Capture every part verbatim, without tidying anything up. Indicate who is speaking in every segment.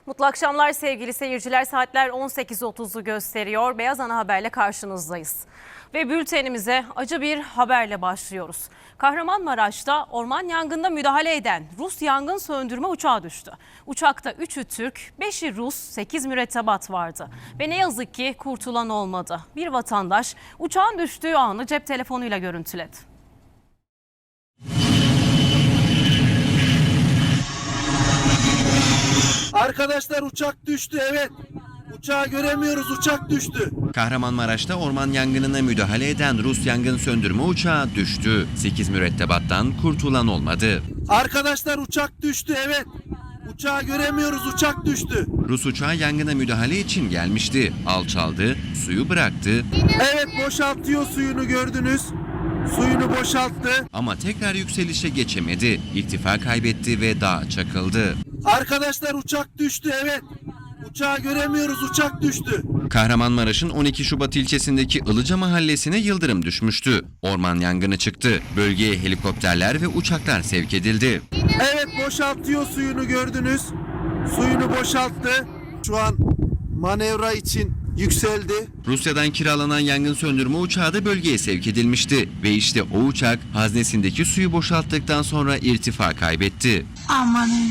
Speaker 1: Mutlu akşamlar sevgili seyirciler. Saatler on sekiz otuzu gösteriyor. Beyaz Ana Haber'le karşınızdayız. Ve bültenimize acı bir haberle başlıyoruz. Kahramanmaraş'ta orman yangınına müdahale eden Rus yangın söndürme uçağı düştü. Uçakta üçü Türk, beşi Rus, sekiz mürettebat vardı. Ve ne yazık ki kurtulan olmadı. Bir vatandaş uçağın düştüğü anı cep telefonuyla görüntüledi.
Speaker 2: Arkadaşlar uçak düştü, evet. Uçağı göremiyoruz, uçak düştü.
Speaker 3: Kahramanmaraş'ta orman yangınına müdahale eden Rus yangın söndürme uçağı düştü. sekiz mürettebattan kurtulan olmadı.
Speaker 2: Arkadaşlar uçak düştü, evet. Uçağı göremiyoruz, uçak düştü.
Speaker 3: Rus uçağı yangına müdahale için gelmişti. Alçaldı, suyu bıraktı
Speaker 2: Evet, boşaltıyor suyunu, gördünüz. Suyunu boşalttı.
Speaker 3: ama tekrar yükselişe geçemedi. İrtifa kaybetti ve dağa çakıldı.
Speaker 2: Arkadaşlar uçak düştü, evet. Uçağı göremiyoruz, uçak düştü.
Speaker 3: Kahramanmaraş'ın on iki Şubat ilçesindeki Ilıca mahallesine yıldırım düşmüştü. Orman yangını çıktı. Bölgeye helikopterler ve uçaklar sevk edildi.
Speaker 2: Evet, boşaltıyor suyunu, gördünüz. Suyunu boşalttı. Şu an manevra için yükseldi.
Speaker 3: Rusya'dan kiralanan yangın söndürme uçağı da bölgeye sevk edilmişti. Ve işte o uçak haznesindeki suyu boşalttıktan sonra irtifa kaybetti.
Speaker 4: Amanın.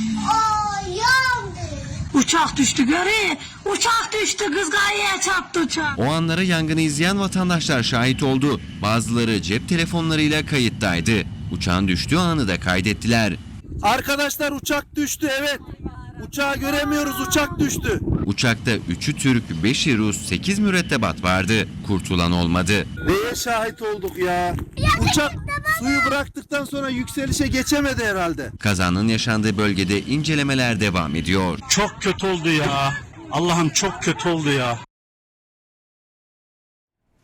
Speaker 4: Uçak düştü göre. Uçak düştü, kız gayeye çarptı uçak.
Speaker 3: O anlara yangını izleyen vatandaşlar şahit oldu. Bazıları cep telefonlarıyla kayıttaydı. Uçağın düştüğü anı da kaydettiler.
Speaker 2: Arkadaşlar uçak düştü, evet. Uçağı göremiyoruz, uçak düştü.
Speaker 3: Uçakta üçü Türk, beşi Rus, sekiz mürettebat vardı. Kurtulan olmadı.
Speaker 2: Neye şahit olduk ya? Uçak suyu bıraktıktan sonra yükselişe geçemedi herhalde.
Speaker 3: Kazanın yaşandığı bölgede incelemeler devam ediyor.
Speaker 5: Çok kötü oldu ya. Allah'ım çok kötü oldu ya.